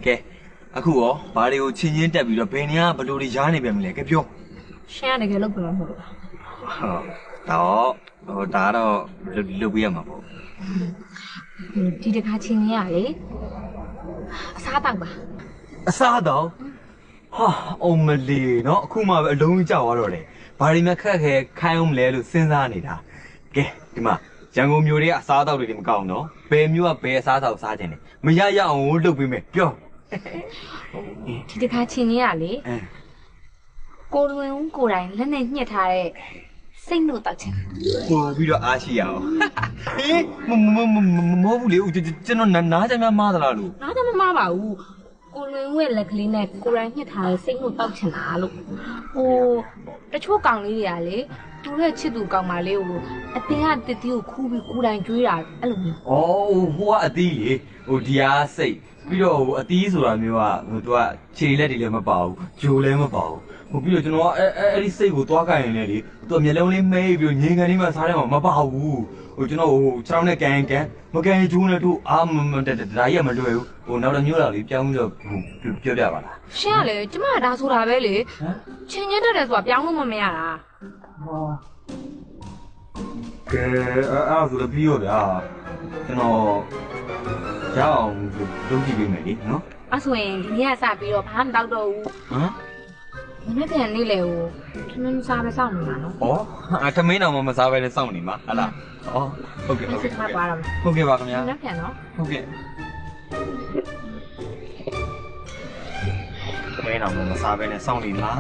ကဲအခုရောဘာတွေကိုချင်းချင်းတက်ပြီးတော့ဘယ်နေရာဘလို့တွေရားနေပြန်ပြီလဲကဲပြောရှင်းရတယ်ကဲလုပ်ပြမှာမဟုတ်ဘူးဟုတ်ဒါတော့လုပ်ပြရမှာပေါ့ဒီတခါချင်းရလေအစားတောက်ပါအစားတော့ဟာအောင်မလီနော်အခုမှပဲအလုံးကြီးကြောက်သွားတော့လေဘာတွေမှခက်ခဲခိုင်းအောင်မလဲလို့စဉ်းစားနေတာကဲဒီမှာရန်ကုန်မြို့တွေကအစားအသောက်တွေမကောင်းတော့ဘယ်မြို့ကဘယ်အစားအသောက်စားခြင်းလဲမရရအောင်လုပ်ပေးမယ်ပြောဒီတခါချင်းရလေကိုလွင်ဦးကိုယ်တိုင်လက်နဲ့ညှက်ထားတဲ့စိတ်လို့တောက်ချင်ပို့ပြီးတော့အားရှိရအောင်ဟေးမဟုတ်ဘူးလေကျွန်တော်နားကြမ်းမားသလားလို့နားကြမ်းမမားပါဘူးကိုလွင်ဦးရဲ့လက်ကလေးနဲ့ကိုယ်တိုင်ညှက်ထားတဲ့စိတ်လို့တောက်ချင်တာလို့တချို့ကောင်လေးတွေကလေသူ့ရဲ့ချစ်သူကောင်မလေးကိုအတင်းကတစ်တီးကိုခူးပြီးကိုယ်တိုင်ကျွေးတာအဲ့လိုမျိုးဟိုကအသီးလေဒီအားစိတ်ပြီးတော့အသီးဆိုတာမျိုးကသူကခြေလက်တွေလည်းမပါဘူးဂျိုလည်းမပါဘူးပြီးတော့ကျွန်တော်အဲ့ဒီစိတ်ကိုသွားကြရင်လည်းလေသူမျက်လုံးလေးမဲပြီးငြိမ်ကန်လေးမှစားတယ်မှာမပါဘူးကျွန်တော်ခြေထောက်နဲ့ကန်မကန်ဂျိုးနဲ့တို့ဒါကြီးကမလွယ်ဘူးနောက်တစ်မျိုးလာလေးပြောင်းပြီးတော့ပြောပြပါလားရှင်းရလေကျမကဒါဆိုတာပဲလေချင်းချင်းတက်တယ်ဆိုတာပြောင်းလို့မရတာကဲအဲ့ဆိုတော့ပြီးရောဗျာကျွန်တော်ရအောင်လုပ်ကြည့်ပေးမယ်လေနော်အဲ့ဆိုရင်ဒီနေ့ကစပြီးတော့ဘာမှမတောက်တော့ဘူးမနေ့ပြန်နေလေဟိုထမင်းစားပဲစောင့်နေမှာနော်ထမင်းတော့မစားပဲနဲ့စောင့်နေမှာဟုတ်လားဟုတ်ကဲ့ဟုတ်ကဲ့ပါပါဟုတ်ကဲ့ပါခင်ဗျာမနေ့ပြန်နော်ဟုတ်ကဲ့ထမင်းတော့မစားပဲနဲ့စောင့်နေမှာ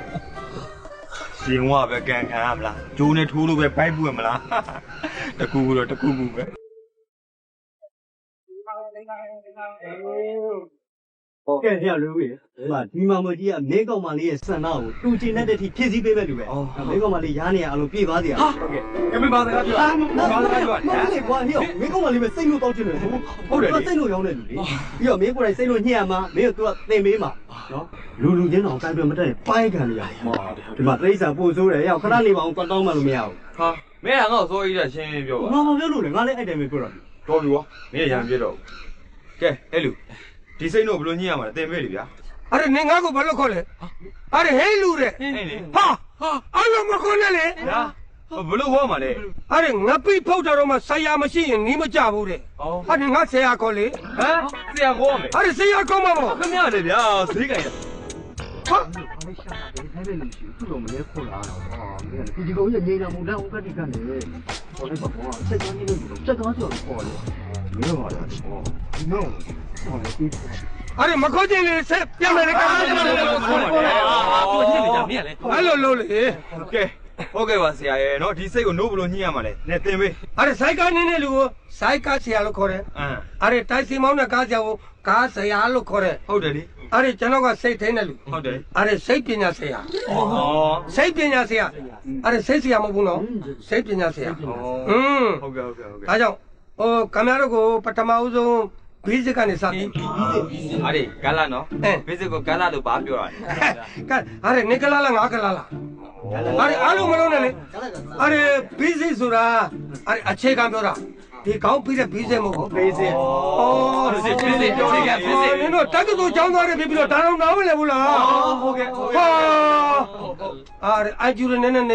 ရှင်ဝပဲကန်ခံရမလားဂျိုးနဲ့ထိုးလို့ပဲဘိုက်ပွင့်မလားတကူတော့တကူပဲကဲရလို့ပြီဒီမှာမကြီးကမဲကောင်မလေးရဲ့စံနာကိုတူချင်တဲ့အထိဖြည့်ဆည်းပေးမဲ့လူပဲမဲကောင်မလေးရားနေရအလိုပြေးသွားစီရဟုတ်ကဲ့ကဲမပါစကားပြောဘာစကားပြောမလေးကွာဟိမဲကောင်မလေးပဲစိတ်လို့တောက်ချင်တယ်ဟုတ်တယ်စိတ်လို့ရောင်းတဲ့လူလေပြီးတော့မင်းကိုယ်တိုင်စိတ်လို့ညှက်ရမှာမင်းကသူကသင်ပေးမှာနော်လူချင်းတောင်ကန်ပြမတက်ပိုင်းခံရဒီမှာတိရစ္ဆာန်ပို့ဆိုးတယ်ရောက်ခဏနေပါအောင်တောင်းမှလို့မရဘူးဟာမင်းကငါ့ကိုစိုးကြီးတဲ့ရှင်းပြောပါငါမပြောလို့လေငါလည်းအဲ့တိုင်းပဲပြောတာတော်ပြီကွာမင်းရံပြတော့ကဲအဲ့လူဒီစိတ်တော့ဘလို့ညှိရမှာလဲတင်ပေးလေဗျာအဲ့ဒါနေငါ့ကိုဘာလို့ခေါ်လဲအဲ့ဒါဟဲလူတဲ့ဟာအဲ့လိုမခေါ်နဲ့လေဟာဘလို့ဟောမှာလဲအဲ့ဒါငါပိဖောက်တာတော့မှဆရာမရှိရင်နီးမကြဘူးတဲ့အဲ့ဒါငါဆရာခေါ်လေဟမ်ဆရာခေါ်မယ်အဲ့ဒါဆရာခေါ်မှာပေါ့ခင်ဗျားလေဗျာဈေးကြိုင်ဟာအဲ့ရှာတာဒီထိုင်ပဲလို့ရှိသူ့တော့မလဲခေါ်လာတော့ဒီကောင်ကြီးငိမ့်တာမဟုတ်လားဥပဒေကနေခေါ်လိုက်ပါဘောစိတ်ကောင်းကြီးလို့စက်ကောင်းကျော်ခေါ်လေမင်းပါလားဒီနော်အဲ့မခေါ်ချင်လေဆက်ပြမယ်လေကောင်ခေါ်တယ်သူညစ်နေကြမင်းလေအဲ့လိုလို့လေကဲဟုတ်ကဲ့ပါဆရာရဲ့နော်ဒီစိတ်ကိုနိုးဘလို့ညှိရမှာလဲနဲ့တင်ပေးအဲ့ဆိုင်ကားနေနေလူကိုဆိုင်ကားဆရာလို့ခေါ်တယ်အဲ့တိုက်စီမောင်းတဲ့ကားဆရာကိုကားဆရာလို့ခေါ်တယ်ဟုတ်တယ်လေအဲ့ကျွန်တော်ကစိတ်ထိန်တဲ့လူဟုတ်တယ်အဲ့စိတ်ပညာဆရာစိတ်ပညာဆရာအဲ့စိတ်ဆရာမဟုတ်ဘူးနော်စိတ်ပညာဆရာဟုတ်ကဲ့ဒါကြောင့်ကင်မရာကိုပထမဦးဆုံးဘေးစစ်ကနေစတယ်အဲ့ဒီကလာနော်ဘေးစစ်ကိုကလာလို့ဘာပြောရလဲအဲ့နေကလာလားငါကလာလားအဲ့အားလုံးမလုံးနဲ့လေအဲ့ဘေးစစ်ဆိုတာအဲ့အခြေခံပြောတာဒီကောင်းပြီးတဲ့ဘေးစစ်မဟုတ်ဘူးဘေးစစ်ဘေးစစ်ပြောနေကြဘေးစစ်နင်တို့တက္ကသိုလ်ကျောင်းသားတွေပြီးတော့ဒါတော့နားမလည်ဘူးလားဟုတ်ကဲ့အဲ့ကျူရနေနော်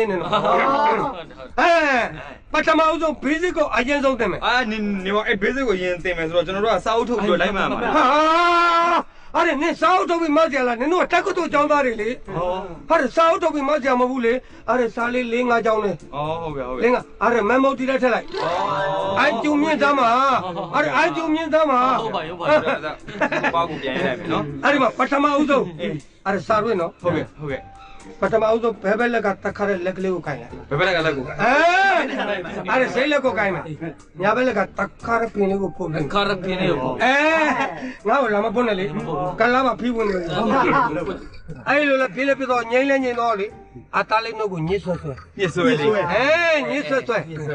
ပထမဦးဆုံး basic ကိုအရင်ဆုံးသင်မယ်နေမအဲ့ basic ကိုရင်သင်မယ်ဆိုတော့ကျွန်တော်တို့ကစာအုပ်ထုတ်ပြီးလိုက်မှမှာအဲ့နင်စာအုပ်ထုတ်ပြီးမဆရာလားနင်တို့တက္ကသိုလ်ကျောင်းသားတွေလေဟာစာအုပ်ထုတ်ပြီးမဆရာမဟုတ်ဘူးလေအဲ့စာလေး၄၅ကျောင်းလေဟုတ်ကဲ့၄၅အဲ့မမော်တီလိုက်ထက်လိုက်အကျူမြင့်သားမှာအဲ့အကျူမြင့်သားမှာဟုတ်ပါဘာကိုပြန်ရလိုက်မယ်နော်အဲ့ဒီမှာပထမဦးဆုံးအဲ့စာရွေးနော်ဟုတ်ကဲ့ပထမဦးဆုံးဘဲဘဲလက်ကတခါတဲ့လက်ကလေးကိုခိုင်းလိုက်ဘဲဘဲလက်ကလက်ကိုအဲ့စိတ်လက်ကိုခိုင်းမယ်ညာဘဲလက်ကတခါရပင်လေးကိုပို့မယ်ခါရပင်လေးကိုငါ့ကိုလာမပို့နဲ့လေကလာမဖီးဝင်နေအဲ့လိုလေပြေးလေပြတော့ငိမ့်လဲငိမ့်တော့လေအသားလေးနှုတ်ကိုညှစ်ဆွဲလေညှစ်ဆွဲနော်ညှစ်ဆွဲ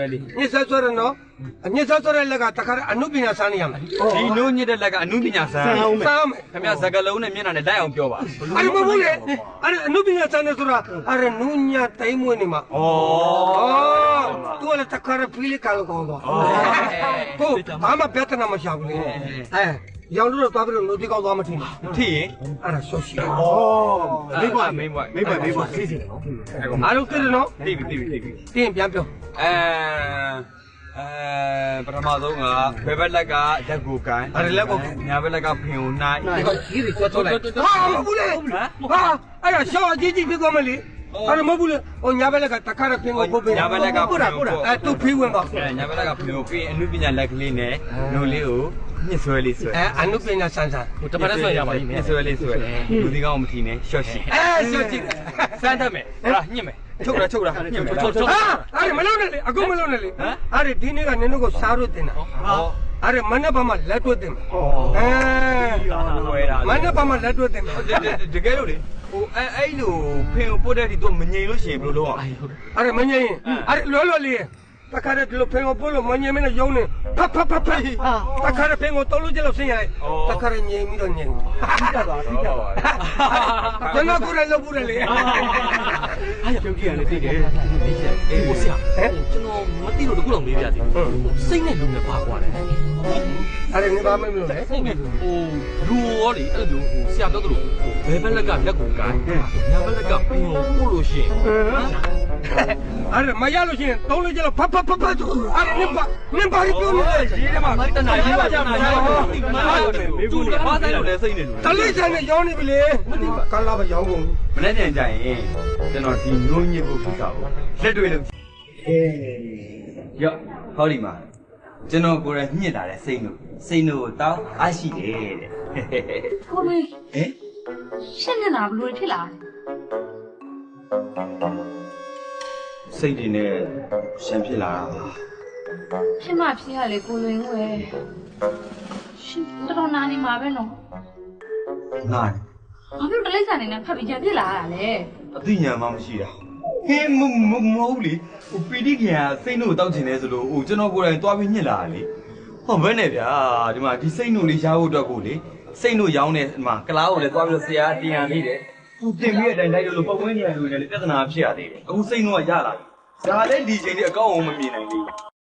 တဲ့လက်ကတခါအနုပညာစမ်းနေရမယ်ဒီနိုးညစ်တဲ့လက်ကအနုပညာစမ်းခင်ဗျာစကလုံးနဲ့မျက်နှာနဲ့တိုက်အောင်ပြောပါအဲ့မဟုတ်လေအဲ့အနုပညာစမ်းနေဆိုတာအဲ့နူးညတိုင်မွေးနေမှာသူကလည်းတခါဖီးလေးကလည်းကောင်းတော့ကိုဘာမှပြဿနာမရှာဘူးလေရောင်လို့တော့သွားပြီးတော့နိုတီကောက်သွားမထင်ဘူးထိရင်အဲ့ဒါရှော့ရှိတယ်မိဘမိဘသိစီတယ်နော်အားလုံးသိတယ်နော်သိပြီတင်းပြန်ပြောပထမဆုံးကဘယ်ဘက်လက်ကတက်ကိုကန်အဲ့ဒါလက်ကိုညာဘက်လက်ကဖင်ကိုနှိုင်းဒီကကြီးတွေသွားလိုက်ဟာမဟုတ်ဘူးလေဟာအဲ့ဒါရှော့အကြီးကြီးဖြစ်သွားမလေအဲ့ဒါမဟုတ်ဘူးလေဟိုညာဘက်လက်ကတခါတော့ဖင်ကိုပုတ်ပေးညာဘက်လက်ကဖင်ကိုအဲ့သူဖေးဝင်ပါညာဘက်လက်ကဖင်ကိုပြီးအနုပညာလက်ကလေးနဲ့နိုလေးကိုညှစ်ဆွဲလေးဆွဲအနုပညာဆန်းဆန်းဟိုတစ်ပတ်နဲ့ဆွဲရပါလိမ့်မယ်ညှစ်ဆွဲလေးဆွဲလူဒီကောင်မထီနဲ့ရှော့ရှိရှော့ကြည့်စမ်းတတ်မယ်ဟလားညှစ်မယ်ချုပ်တာညှစ်မယ်ချုပ်ဟာအဲ့မလုံးနဲ့လေအခုမလုံးနဲ့လေအဲ့ဒီနေ့ကနင်တို့ကိုစားလို့တင်တာဟောအဲ့မနေ့ကမှလက်တွဲတင်မှာဝဲတာမနေ့ကမှလက်တွဲတင်မှာတကယ်လို့လေဟိုအဲ့လိုဖင်ကိုပုတ်တဲ့ဒီတော့မငြိမ်လို့ရှိရင်ဘယ်လိုလုပ်အောင်အဲ့မငြိမ်အဲ့လောလောလေးတခါတည်းဒီလိုဖင်ကိုပို့လို့မငြိမ်မနဲ့ယုံနေဖတ်တခါတည်းဖင်ကိုတောလို့ကျလို့ဆင်းရလိုက်တခါတည်းငြိမ်ပြီးတော့ငြိမ်ကျွန်တော်ကိုလည်းလုပ်ဘူးလေအားရပြုတ်ကြည့်ရလေသိတယ်အေးဟိုဆရာကျွန်တော်မသိလို့တခုတော့မေးပြစီစိတ်နဲ့လူနဲ့ပါကွာတယ်အဲ့ဒီဘာမှမလုပ်လဲစိတ်နဲ့ဟိုလူရောလေအဲ့လိုဟိုဆရာပြောသလိုဟိုဘယ်ဘက်လက်ကလက်ကိုကိုင်းညာဘက်လက်ကပင်ကိုပို့လို့ရှိရင်အဲ့မရလို့ရှိရင်တောလို့ကျလို့ဖတ်အဲ့နင်ပါပြောနေတယ်ရေးထဲမှာတနာရေးပါကြမှာမေကူလေဘာဆိုင်လို့လဲစိတ်နေလို့တလိမ့်ဆိုင်နဲ့ရောင်းနေပြီလေကလာပဲရောင်းကုန်မနေ့ပြန်ကြရင်ကျွန်တော်ဒီငုံညစ်ဖို့ကိစ္စကိုလက်တွေ့လို့ရော့ဟောဒီမှာကျွန်တော်ကိုယ်တိုင်ညှစ်လာတဲ့စိတ်နှုတ်ကိုတောင်းအားရှိတယ်တဲ့ကိုလွင်ဟင်ရှင်းနေတာဘလို့ဖြစ်လာစိတ်တွေနဲ့ရှမ်းဖြစ်လာတာပါဖြစ်မှဖြစ်ရလေကိုလွင်ဝဲရှင်တော်နာနေမှာပဲနော်နားဘာဖြစ်တလိမ့်စာနေနဲ့ဖတ်ပြီးကြဖြစ်လာရတာလဲအသိဉာဏ်မှမရှိတာဟင်းမဟုတ်လေဟိုပီတိခင်ကစိတ်နှုတ်တောက်ချင်တယ်ဆိုလို့ဟိုကျွန်တော်ကိုယ်တိုင်တွားပြီးညှစ်လာတာလေဟောဘယ်နဲ့ဗျာဒီမှာဒီစိတ်နှုတ်လေးရှားဖို့အတွက်ကိုလေစိတ်နှုတ်ရောင်းနေဒီမှာကလားကိုလည်းတွားပြီးတော့ဆရာတင်ရနေတယ်ဟိုတင်ပြီးတဲ့အတိုင်းလိုက်လို့ပတ်ဝန်းကျင်လူတွေလည်းပြဿနာဖြစ်ရသေးတယ်အခုစိတ်နှုတ်ကရလာပြီဒါလည်းဒီချိန်လေးအကောင့်အောင်မမြင်နိုင်ဘူး